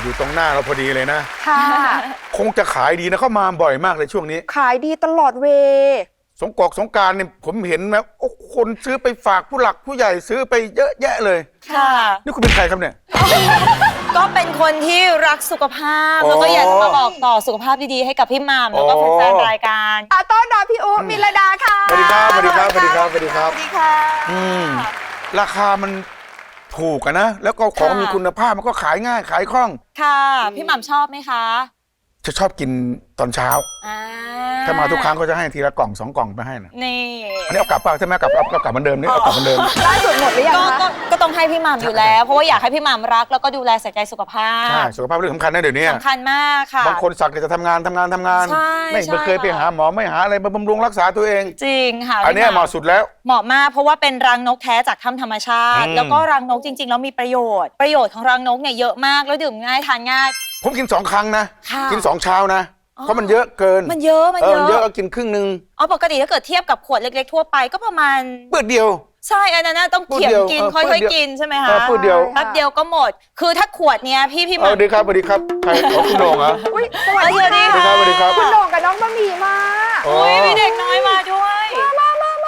อยู่ตรงหน้าเราพอดีเลยนะค่ะคงจะขายดีนะเข้ามาบ่อยมากเลยช่วงนี้ขายดีตลอดเวสงกรานต์เนี่ยผมเห็นนะโอ้คนซื้อไปฝากผู้หลักผู้ใหญ่ซื้อไปเยอะแยะเลยค่ะนี่คุณเป็นใครครับเนี่ยก็เป็นคนที่รักสุขภาพแล้วก็อยากจะมาบอกต่อสุขภาพดีๆให้กับพี่หม่ำแล้วก็แฟนๆรายการต้อนรับพี่อุ๊มิลดาค่ะสวัสดีครับสวัสดีครับสวัสดีครับสวัสดีครับสวัสดีค่ะราคามันถูกนะแล้วก็ของมีคุณภาพมันก็ขายง่ายขายคล่องค่ะพี่หม่ำชอบไหมคะจะชอบกินตอนเช้าถ้ามาทุกครั้งก็จะให้ทีละกล่อง2 กล่องไปให้นะนี่อันนี้เอากลับป่ะใช่ไหมกลับเหมือนเดิมนี่เอากลับเหมือนเดิมล่าสุดหมดหรือยังคะก็ต้องให้พี่หม่ำอยู่แล้วเพราะว่าอยากให้พี่หม่ำรักแล้วก็ดูแลใส่ใจสุขภาพใช่สุขภาพเรื่องสำคัญนะเดี๋ยวนี้สำคัญมากค่ะบางคนสักจะทำงานไม่เคยไปหาหมอไม่หาอะไรมาบำรุงรักษาตัวเองจริงค่ะอันนี้เหมาะสุดแล้วเหมาะมากเพราะว่าเป็นรังนกแท้จากถ้ำธรรมชาติแล้วก็รังนกจริงๆแล้วมีประโยชน์ของรังนกเนี่ยเยอะมากแล้วดื่มง่ายทานง่ายผมกิน2 ครั้งนะกิน2 เช้านะเพราะมันเยอะเกินมันเยอะก็กินครึ่งนึงปกติถ้าเกิดเทียบกับขวดเล็กๆทั่วไปก็ประมาณปืดเดียวใช่อันนั้นต้องเขี่ยกินค่อยๆกินใช่ไหมคะปืดเดียวแป๊บเดียวก็หมดคือถ้าขวดเนี้ยพี่สวัสดีครับสวัสดีครับใครคุณโหน่งเหรอสวัสดีครับสวัสดีครับคุณโหน่งกับน้องบะหมี่มามีเด็กน้อยมาด้วยมา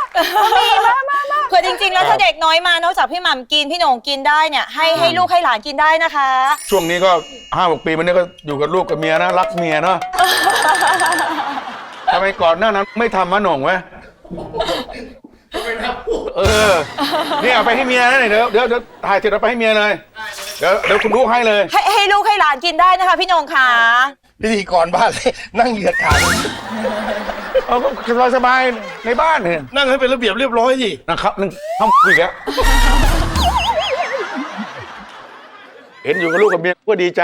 คือจริงๆแล้วถ้าเด็กน้อยมานอกจากพี่หม่ำกินพี่โหน่งกินได้เนี่ยให้ลูกให้หลานกินได้นะคะช่วงนี้ก็5-6 ปีมันนี้ก็อยู่กับลูกกับเมียนะรักเมียเนาะทำไมก่อนหน้านั้นไม่ทำมะโหน่งไว้นี่เอาไปให้เมียนะเดี๋ยวถ่ายเสร็จเอาไปให้เมียเลยเดี๋ยวคุณลูกให้เลยให้ลูกให้หลานกินได้นะคะพี่โหน่งค่ะพิธีกรบ้านเลยนั่งเหยียดขาก็สบายในบ้านเนี่ยนั่งให้เป็นระเบียบเรียบร้อยสินะครับนึงทำคุยแล้วเห็นอยู่กับลูกกับเมียก็ดีใจ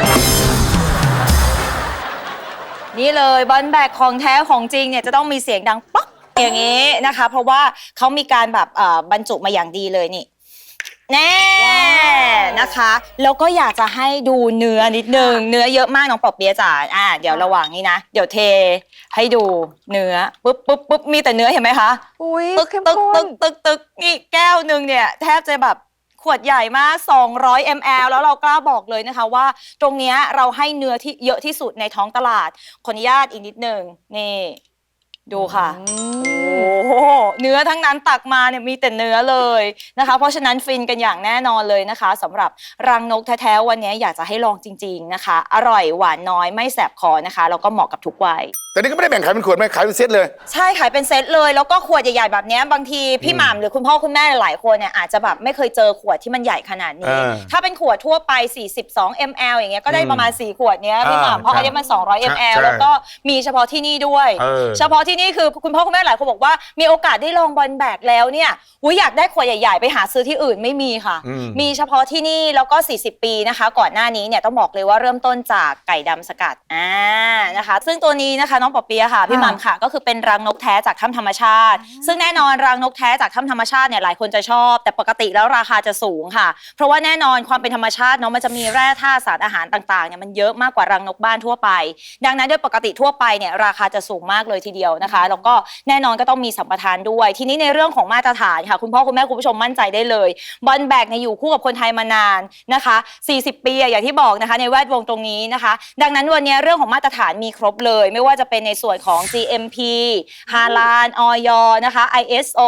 นี่เลยบอลแบกของแท้ของจริงเนี่ยจะต้องมีเสียงดังป๊อกอย่างนี้นะคะเพราะว่าเขามีการแบบบรรจุมาอย่างดีเลยนี่แน่นะคะแล้วก็อยากจะให้ดูเนื้อนิดนึงเนื้อเยอะมากน้องปอเปี๊ยะจ๋าเดี๋ยวระหว่างนี้นะเดี๋ยวเทให้ดูเนื้อปุ๊บมีแต่เนื้อเห็นไหมคะตึกนี่แก้วนึงเนี่ยแทบจะแบบขวดใหญ่มาก200 ml แล้วเรากล้าบอกเลยนะคะว่าตรงนี้เราให้เนื้อที่เยอะที่สุดในท้องตลาดขออนุญาตอีกนิดนึงนี่ดูค่ะโอ้เนื้อทั้งนั้นตักมาเนี่ยมีแต่เนื้อเลยนะคะเพราะฉะนั้นฟินกันอย่างแน่นอนเลยนะคะสำหรับรังนกแท้ๆวันนี้อยากจะให้ลองจริงๆนะคะอร่อยหวานน้อยไม่แสบคอนะคะแล้วก็เหมาะกับทุกวัยแต่นี่ก็ไม่ได้แบ่งขายเป็นขวดไม่ขายเป็นเซตเลยใช่ขายเป็นเซตเลยแล้วก็ขวดใหญ่ๆแบบนี้บางทีพี่หม่ำหรือคุณพ่อคุณแม่หลายคนเนี่ยอาจจะแบบไม่เคยเจอขวดที่มันใหญ่ขนาดนี้ถ้าเป็นขวดทั่วไป42 ml อย่างเงี้ยก็ได้ประมาณ4 ขวดเนี้ยพี่หม่ำเพราะอันนี้มัน200 ml แล้วก็มีเฉพาะที่นี่ด้วยเฉพาะที่นี่คือคุณพ่อคุณแม่หลายคนบอกว่ามีโอกาสได้ลองบอลแบกแล้วเนี่ยอยากได้ขวดใหญ่ๆไปหาซื้อที่อื่นไม่มีค่ะมีเฉพาะที่นี่แล้วก็40 ปีนะคะก่อนหน้านี้เนี่ยต้องบอกเลยว่าเริ่มต้นจากไก่ดำสกัดนะคะซึ่งตัวนี้นะคะน้องปอเปี๊ยะค่ะพี่หม่ำค่ะก็คือเป็นรังนกแท้จากถ้ำธรรมชาติซึ่งแน่นอนรังนกแท้จากถ้ำธรรมชาติเนี่ยหลายคนจะชอบแต่ปกติแล้วราคาจะสูงค่ะเพราะว่าแน่นอนความเป็นธรรมชาติเนาะมันจะมีแร่ธาตุสารอาหารต่างๆเนี่ยมันเยอะมากกว่ารังนกบ้านทั่วไปดังนั้นโดยปกติทั่วไปเนี่ยราคาจะสูงมากเลยทีเดียวนะคะแล้วก็แน่นอนก็ต้องมีสัมปทานด้วยทีนี้ในเรื่องของมาตรฐานค่ะคุณพ่อคุณแม่คุณผู้ชมมั่นใจได้เลยบอลแบกเนี่ยอยู่คู่กับคนไทยมานานนะคะ40 ปีอย่างที่บอกนะคะในแวดวงตรงนี้นะคะดังนั้นวันนี้เรื่องของมาตรฐานมีครบเลยไม่ว่าจะเป็นในส่วนของ GMP ฮาลาลอย.นะคะ ISO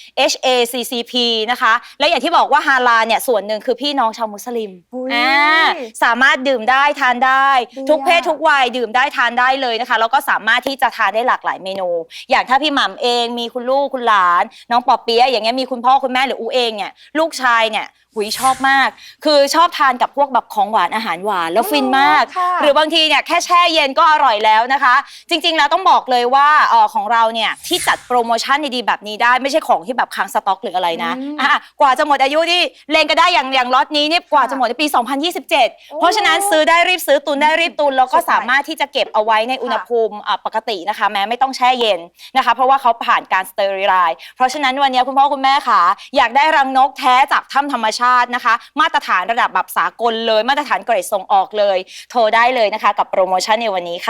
HACCP นะคะและอย่างที่บอกว่าฮาลาลเนี่ยส่วนหนึ่งคือพี่น้องชาวมุสลิมสามารถดื่มได้ทานได้ทุกเพศทุกวัยดื่มได้ทานได้เลยนะคะแล้วก็สามารถที่จะทานได้หลากหลายเมนูอย่างถ้าพี่หม่ำเองมีคุณลูกคุณหลานน้องปอเปี๊ยะอย่างเงี้ยมีคุณพ่อคุณแม่หรืออูเองเนี่ยลูกชายเนี่ยชอบมากคือชอบทานกับพวกแบบของหวานอาหารหวานแล้วฟินมากหรือบางทีเนี่ยแค่แช่เย็นก็อร่อยแล้วนะคะจริงๆแล้วต้องบอกเลยว่าของเราเนี่ยที่จัดโปรโมชั่นดีๆแบบนี้ได้ไม่ใช่ของที่แบบค้างสต็อกหรืออะไรนะกว่าจะหมดอายุนี่เลงก็ได้อย่างล็อตนี้เนี่ยกว่าจะหมดในปี2027เพราะฉะนั้นซื้อได้รีบซื้อตุนได้รีบตุนแล้วก็สามารถที่จะเก็บเอาไว้ในอุณหภูมิปกตินะคะแม้ไม่ต้องแช่เย็นนะคะเพราะว่าเขาผ่านการสเตอริไลซ์เพราะฉะนั้นวันนี้คุณพ่อคุณแม่ค่ะอยากได้รังนกแท้จากถ้ำธรรมชาตินะคะมาตรฐานระดับแบบสากลเลยมาตรฐานเกรดส่งออกเลยโทรได้เลยนะคะกับโปรโมชั่นในวันนี้ค่ะ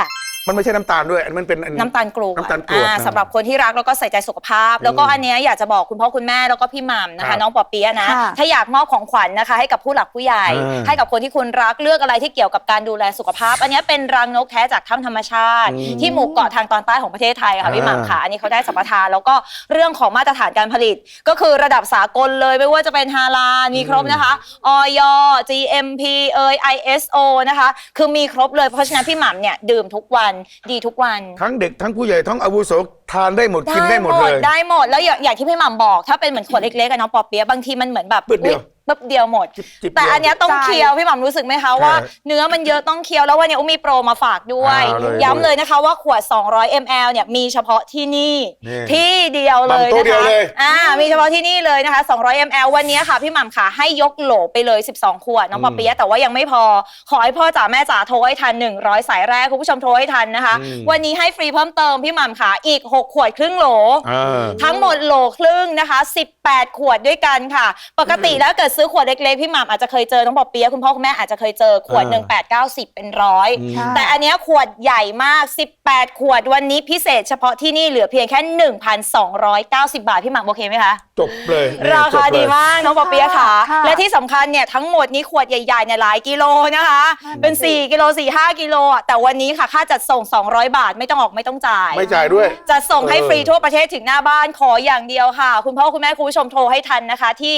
มันไม่ใช่น้ำตาลด้วยอันมันเป็นน้ำตาลกรวดน้ำตาลกรวดสำหรับคนที่รักแล้วก็ใส่ใจสุขภาพ แล้วก็อันเนี้ยอยากจะบอกคุณพ่อคุณแม่แล้วก็พี่หม่ำนะครัคะบน้องปอเปี๊ยะนะค่ะถ้าอยากมอบของขวัญนะคะให้กับผู้หลักผู้ใหญ่ ให้กับคนที่คุณรักเลือกอะไรที่เกี่ยวกับการดูแลสุขภาพ อันเนี้ยเป็นรังนกแท้จากถ้ำธรรมชาติ ที่หมู่เกาะทางตอนใต้ของประเทศไทยค่ะพี่หม่ำค่ะอันนี้เขาได้สัมปทานแล้วก็เรื่องของมาตรฐานการผลิต ก็คือระดับสากลเลยไม่ว่าจะเป็นฮาลาลมีครบนะคะอย GMP ISO นะคะคือมีครบเลยเพราะฉะนั้นพี่หม่ำเนี่ยดื่มทุกวันดีทุกวันทั้งเด็กทั้งผู้ใหญ่ทั้งอาวุโสทานได้หมดกินได้หมดเลยได้หมดแล้วอย่างที่พี่หม่ำบอกถ้าเป็นเหมือนขวดเล็กๆอะน้องปอเปี๊ยะบางทีมันเหมือนแบบปึ๊ดเดียวปึ๊บเดียวหมดจิบๆแต่อันเนี้ยต้องใช่เคี้ยวพี่หม่ำรู้สึกไหมคะว่าเนื้อมันเยอะต้องเคี้ยวแล้ววันนี้อุ้มมีโปรมาฝากด้วยเอาเลยย้ำเลยนะคะว่าขวด200 ml เนี่ยมีเฉพาะที่นี่นี่ที่เดียวเลยหม่ำโต๊ะนะเดียวคะเลยมีเฉพาะที่นี่เลยนะคะ200 ml วันนี้ค่ะพี่หม่ำค่ะให้ยกโหลไปเลย12ขวดน้องปอเปี๊ยะแต่ว่ายังไม่พอขอให้พ่อจ๋าแม่จ๋าโทรให้ทัน100สายแรกคุณผู้ชมโทรให้ทันนะคะวันนี้ให้ฟรีเพิ่มเติมพี่หม่ำค่ะอีก6ขวดครึ่งโหล ทั้งหมดโหลครึ่งนะคะ18ขวดด้วยกันค่ะปกติแล้วเกิดซื้อขวดเล็กๆพี่หม่ำอาจจะเคยเจอน้องปอเปี๊ยะคุณพ่อคุณแม่อาจจะเคยเจอขวด1 8 9 10เป็นร้อยแต่อันเนี้ยขวดใหญ่มาก18ขวดวันนี้พิเศษเฉพาะที่นี่เหลือเพียงแค่ 1,290 บาทพี่หม่ำโอเคไหมคะจบเลยนี่ราคาจบเลยดีมากน้องปอเปี๊ยะค่ะค่ะและที่สำคัญเนี่ยทั้งหมดนี้ขวดใหญ่ๆเนี่ยหลายกิโลนะคะเป็น4กิโล4-5กิโลอ่ะแต่วันนี้ค่ะค่าจัดส่ง200 บาทไม่ต้องออกไม่ต้องจ่ายไม่จ่ายด้วยจะส่งให้ฟรีทั่วประเทศถึงหน้าบ้านขออย่างเดียวค่ะ คุณพ่อคุณแม่คุณผู้ชมโทรให้ทันนะคะที่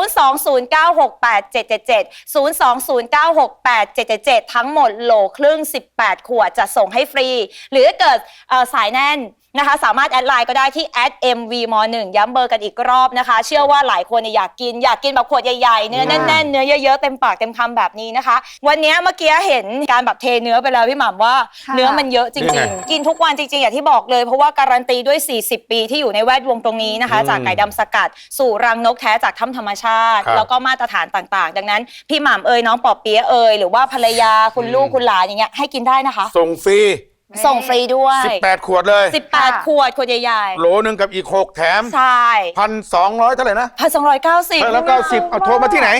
020968777 020968777 ทั้งหมดโหลครึ่ง18ขวดจะส่งให้ฟรี หรือถ้าเกิดสายแน่นนะคะสามารถแอดไลน์ก็ได้ที่ @mvm1 ย้ำเบอร์กันอีกรอบนะคะ เชื่อว่าหลายคนเนี่ยอยากกินแบบขวดใหญ่ๆเนื้อแน่นๆเนื้อเยอะๆเต็มปากเต็มคำแบบนี้นะคะ วันนี้เมื่อกี้เห็นการแบบเทเนื้อไปแล้วพี่หม่ำว่าค่ะเนื้อมันเยอะจริงๆ กินทุกวันจริงๆอย่างที่บอกเลยเพราะว่าการันตีด้วย40 ปีที่อยู่ในแวดวงตรงนี้นะคะ จากไก่ดำสกัดสู่รังนกแท้จากถ้ำธรรมชาติครับแล้วก็มาตรฐานต่างๆ ดังนั้นพี่หม่ำน้องปอเปี๊ยะหรือว่าภรรยาคุณลูกคุณหลานอย่างเงี้ยให้กินได้นะคะส่งฟรีส่งฟรีด้วย 18ขวดเลย 18 ขวดใหญ่โหลหนึ่งกับอีก6แถมๆใช่ 1,200เท่าไหร่นะ 1,290 แล้ว90เอาโทรมาที่ไหน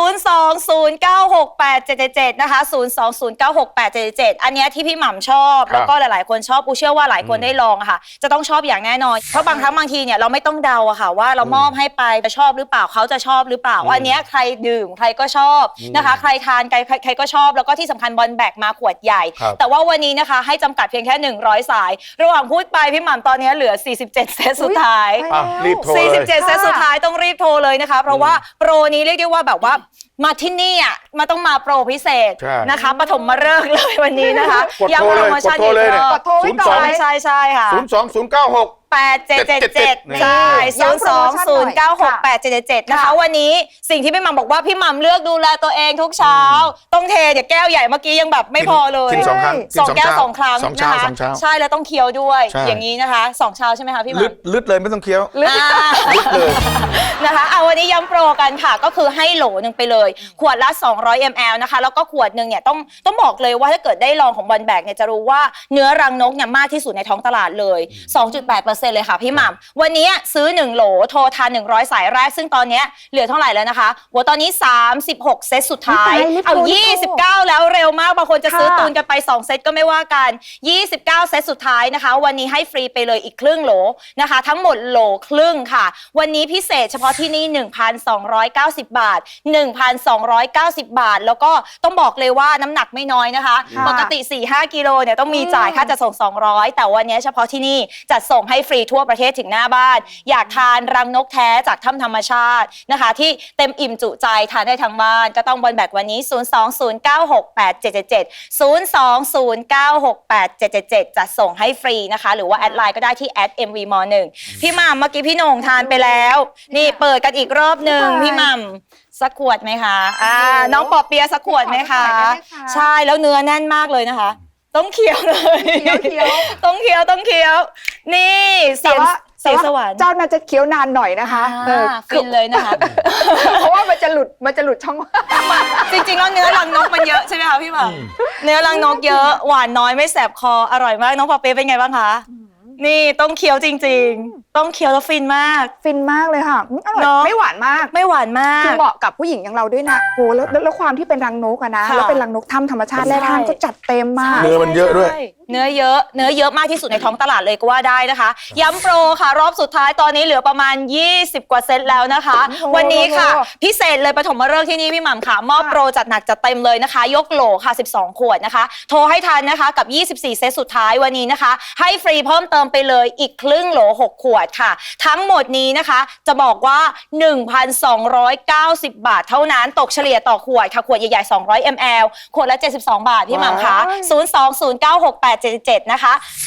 020968777 นะคะ 020968777 อันเนี้ยที่พี่หม่ำชอบครับแล้วก็หลายๆคนชอบปูเชื่อว่าหลายคนได้ลองอะค่ะ จะต้องชอบอย่างแน่นอน เพราะบางครั้งบางทีเนี่ยเราไม่ต้องเดาอะค่ะว่าเรามอบให้ไปจะชอบหรือเปล่าเขาจะชอบหรือเปล่าอันเนี้ยใครดื่มใครก็ชอบนะคะ ใครทานใครก็ชอบแล้วก็ที่สำคัญบอลแบกมาขวดใหญ่ครับแต่ว่าวันนี้นะคะให้จำกัดเพียงแค่100สาย ระหว่างพูดไปพี่หม่ำตอนนี้เหลือ47เซตสุดท้ายอ่ะรีบโทรเลย 47 เซตสุดท้ายต้องรีบโทรเลยนะคะ เพราะว่าโปรนี้เรียกได้ว่าแบบว่ามาที่นี่อ่ะมาต้องมาโปรพิเศษใช่นะคะปฐมฤกษ์เลยวันนี้นะคะกดโทรเลยย้ำโปรโมชั่นกดโทรเลยอีกรอบกดโทรไว้ก่อนใช่ค่ะ 02096 8777 ใช่ย้ำโปรโมชั่นหน่อย 020968777 นะคะ วันนี้สิ่งที่พี่หม่ำบอกว่าพี่หม่ำเลือกดูแลตัวเองทุกเช้า ต้องเทเดี๋ยวแก้วใหญ่เมื่อกี้ยังแบบไม่พอเลยกิน2 ครั้งสองแก้ว 2 ครั้งสองเช้านะคะสองเช้าใช่แล้วต้องเคี้ยวด้วยใช่อย่างนี้นะคะ2เช้าใช่ไหมคะพี่หม่ำลึดเลยไม่ต้องเคี้ยวอ่าเลยนะคะเอาวันนี้ย้ำโปรกันค่ะก็คือให้โหลหนึ่งไปเลยขวดละ200 ml นะคะแล้วก็ขวดหนึ่งเนี่ยต้องบอกเลยว่าถ้าเกิดได้ลองของบอลแบกเนี่ยจะรู้ว่าเนื้อรังนกเนี่ยมากที่สุดในท้องตลาดเลย 2.8% เลยค่ะพี่หม่ำวันนี้ซื้อ1โหลโทรทาน100สายแรกซึ่งตอนเนี้ยเหลือเท่าไหร่แล้วนะคะโหตอนนี้36เซตสุดท้ายรีบโทรเอารีบโทร 29แล้วเร็วมากบางคนจะซื้อค่ะตูนกันไป2เซตก็ไม่ว่ากัน29เซตสุดท้ายนะคะวันนี้ให้ฟรีไปเลยอีกครึ่งโหลนะคะทั้งหมดโหลครึ่งค่ะวันนี้พิเศษเฉพาะที่นี่ 1,290 บาท 1,290 บาท แล้วก็ต้องบอกเลยว่าน้ำหนักไม่น้อยนะคะค่ะปกติ 4-5 กิโลเนี่ยต้องมีจ่ายค่าจัดส่ง200แต่วันนี้เฉพาะที่นี่จัดส่งให้ฟรีทั่วประเทศถึงหน้าบ้านอยากทานรังนกแท้จากถ้ำธรรมชาตินะคะที่เต็มอิ่มจุใจทานได้ทั้งบ้านก็ต้องบอลแบกวันนี้ 020968777 020968777 จะส่งให้ฟรีนะคะหรือว่าแอดไลน์ก็ได้ที่ @mvm1 พี่หม่ำเมื่อกี้พี่โหน่งทานไปแล้ว นี่เปิดกันอีกรอบหนึ่งพี่หม่ำสักขวดไหมคะน้องปอเปียะสักขวดไหมคะขอสักขวดได้ไหมคะใช่แล้วเนื้อแน่นมากเลยนะคะ ต้องเคี้ยวเลยเคี้ยวต้องเคี้ยวนี่เสียงสวรรค์เจ้าน่าจะเคี้ยวนานหน่อยนะคะฟินเลยนะคะเพราะว่ามันจะหลุดช่องว่างจริงๆแล้วเนื้อรังนกมันเยอะใช่ไหมคะพี่หม่ำเนื้อรังนกเยอะหวานน้อยไม่แสบคออร่อยมากน้องปอเปี๊ยะเป็นไงบ้างคะนี่ต้องเคี้ยวจริงๆต้องเคี้ยวแล้วฟินมากฟินมากเลยค่ะอร่อยเนอะไม่หวานมากไม่หวานมาคือก เหมาะกับผู้หญิงอย่างเราด้วยนะโอ้แล้วความที่เป็นรังนกอะนะค่ะแล้วเป็นรังนกถ้ำธรรมชาติใช่แร่ธาตุก็จัดเต็มมากเนื้อมันเยอะด้วยใช่เนื้อเยอะมากที่สุดในท้องตลาดเลยก็ว่าได้นะคะ ย้ำโปรค่ะรอบสุดท้ายตอนนี้เหลือประมาณ 20 กว่าเซตแล้วนะคะโอ้โหวันนี้ค่ะ พิเศษเลยปฐมฤกษ์ที่นี่พี่หม่ำค่ะ มอบโปรจัดหนักจัดเต็มเลยนะคะ ยกโหลค่ะ 12 ขวดนะคะ โทรให้ทันนะคะกับ 24 เซตสุดท้ายวันนี้นะคะ ให้ฟรีเพิ่มเติมไปเลยอีกครึ่งโหล 6 ขวดค่ะ ทั้งหมดนี้นะคะจะบอกว่า 1,290 บาทเท่านั้นตกเฉลี่ยต่อขวดค่ะขวดใหญ่ๆ200 ml ขวดละ 72 บาทพี่หม่ำค่ะ 020968777 นะคะ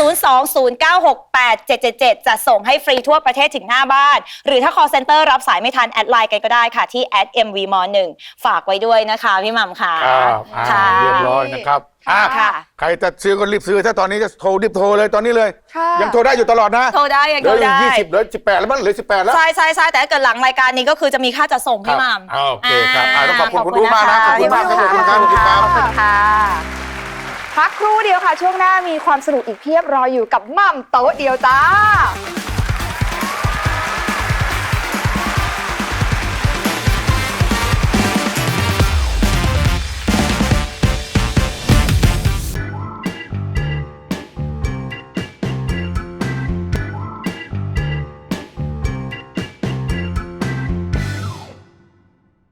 020968777 จะส่งให้ฟรีทั่วประเทศถึงหน้าบ้าน หรือถ้า call center รับสายไม่ทันแอดไลน์กันก็ได้ค่ะที่ @mvm1 ฝากไว้ด้วยนะคะพี่หม่ำค่ะค่ะ เรียบร้อยนะครับอ่ะค่ะใครจะซื้อก็รีบซื้อถ้าตอนนี้จะโทรรีบโทรเลยตอนนี้เลยค่ะยังโทรได้อยู่ตลอดนะโทรได้ยังเหลืโทอรอยู่ได้ 20เหลือ18แล้วมั้งเหลือ18แล้วใช่แต่ถ้าเกิดหลังรายการนี้ก็คือจะมีค่าจัดส่งพี่หม่ำโอเคครับต้องขอบคุณคุณอู๋มากนะขอบคุณมากครับขอบคุณครับขอบคุณครับขอบคุณค่ะพักครู่เดียวค่ะ ช่วงหน้ามีความสนุกอีกเพียบรออยู่กับหม่ำโต๊ะเดียวจ้า